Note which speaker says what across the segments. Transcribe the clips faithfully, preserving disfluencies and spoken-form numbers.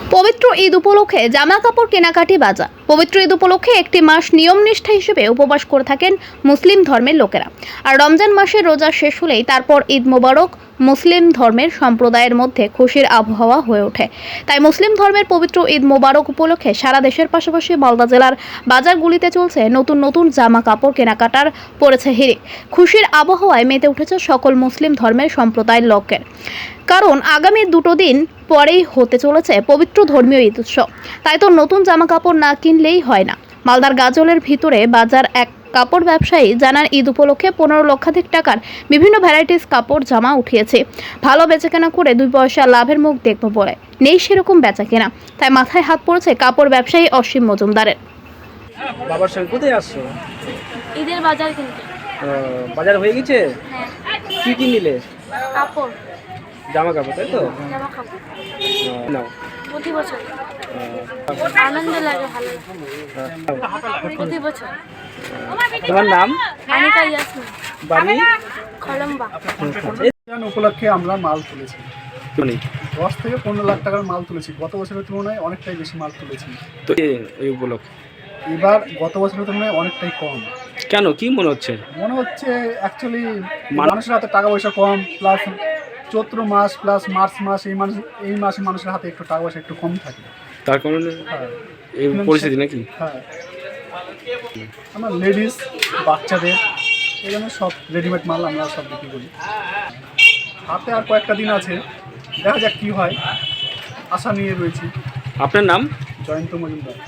Speaker 1: পবিত্র ঈদ উপলক্ষে জামা কাপড় কেনাকাটি বাজার। পবিত্র ঈদ উপলক্ষে একটি মাস নিয়ম নিষ্ঠা হিসেবে উপবাস করে থাকেন মুসলিম ধর্মের লোকেরা। আর রমজান মাসের রোজা শেষ হলেই তারপর ঈদ মোবারক মুসলিম ধর্মের সম্প্রদায়ের মধ্যে খুশির আবহাওয়া হয়ে ওঠে। তাই মুসলিম ধর্মের পবিত্র ঈদ মোবারক উপলক্ষে সারা দেশের পাশাপাশি মালদা জেলার বাজারগুলিতে চলছে নতুন নতুন জামা কাপড় কেনাকাটার পড়েছে হিড়িক। খুশির আবহাওয়ায় মেতে উঠেছে সকল মুসলিম ধর্মের সম্প্রদায়ের লোকের, কারণ আগামী দুটো দিন পরেই হতে চলেছে পবিত্র ধর্মীয় ঈদ উৎসব। তাই তো নতুন জামা কাপড় না কিনলেই হয় না। মালদার গাজলের ভিতরে বাজার এক কাপড় ব্যবসায়ী জানান, ঈদ উপলক্ষে পনেরো লক্ষাধিক টাকার বিভিন্ন ভ্যারাইটিস কাপড় জামা উঠিয়েছে। ভালো বেচাকেনা করে দুই পয়সা লাভের মুখ দেখবো বলে নেই সেরকম বেচাকেনা, তাই মাথায় হাত পড়েছে কাপড় ব্যবসায়ী অসীম মজুমদারের।
Speaker 2: বাবার সঙ্গে কোথায় আসছো?
Speaker 3: ঈদের বাজার কিনতে।
Speaker 2: ও, বাজার হয়ে গেছে?
Speaker 3: হ্যাঁ,
Speaker 2: কি কি নিলে?
Speaker 3: কাপড়,
Speaker 2: জামা কাপড়, তাই তো?
Speaker 3: জামা কাপড়
Speaker 2: ও, নাও।
Speaker 3: প্রতি বছর
Speaker 2: ও,
Speaker 3: আনন্দ লাগে, ভালো লাগে প্রতি বছর।
Speaker 2: তোমার নাম?
Speaker 3: আনিকা ইয়াসমিন,
Speaker 2: বাড়ি?
Speaker 3: কলম্বা।
Speaker 4: রমজান উপলক্ষে আমরা মাল তুলেছি,
Speaker 2: মানে
Speaker 4: দশ থেকে পনেরো লাখ টাকার মাল তুলেছি। গত বছরের তুলনায় অনেকটাই বেশি মাল তুলেছি।
Speaker 2: তো এ- এই উপলক্ষে
Speaker 4: এবার গত বছরের তুলনায় অনেকটাই কম
Speaker 2: কেন, কি মনে হচ্ছে?
Speaker 4: মনে হচ্ছে। অ্যাকচুয়ালি
Speaker 2: মান-
Speaker 4: মানুষের হাতে টাকা পয়সা কম, প্লাস চৈত্র মাস প্লাস মার্চ মাস, এই মাস এই মাসে মানুষের হাতে একটু টাকা পয়সা একটু কম থাকে।
Speaker 2: তার কারণে
Speaker 4: হ্যাঁ,
Speaker 2: এই পরিস্থিতি নাকি?
Speaker 4: হ্যাঁ, আমরা লেডিস বাচ্চাদের এই জন্য সব রেডিমেড মাল আমরা সব বিক্রি করি। হাতে আর কয়েকটা দিন আছে, দেখা যাক কী হয়, আশা নিয়ে রয়েছি।
Speaker 2: আপনার নাম?
Speaker 4: জয়ন্ত মজুমদার।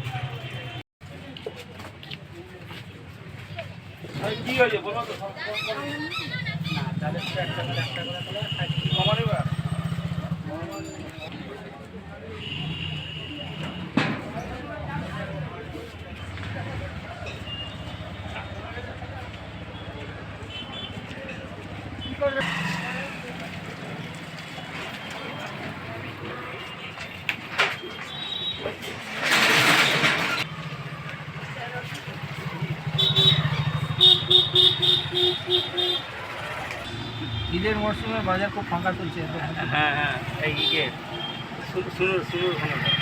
Speaker 5: ঈদের মরশুমে বাজার খুব ফাঁকা চলছে।
Speaker 2: হ্যাঁ হ্যাঁ, এই ইয়ে শুনুন শুনুন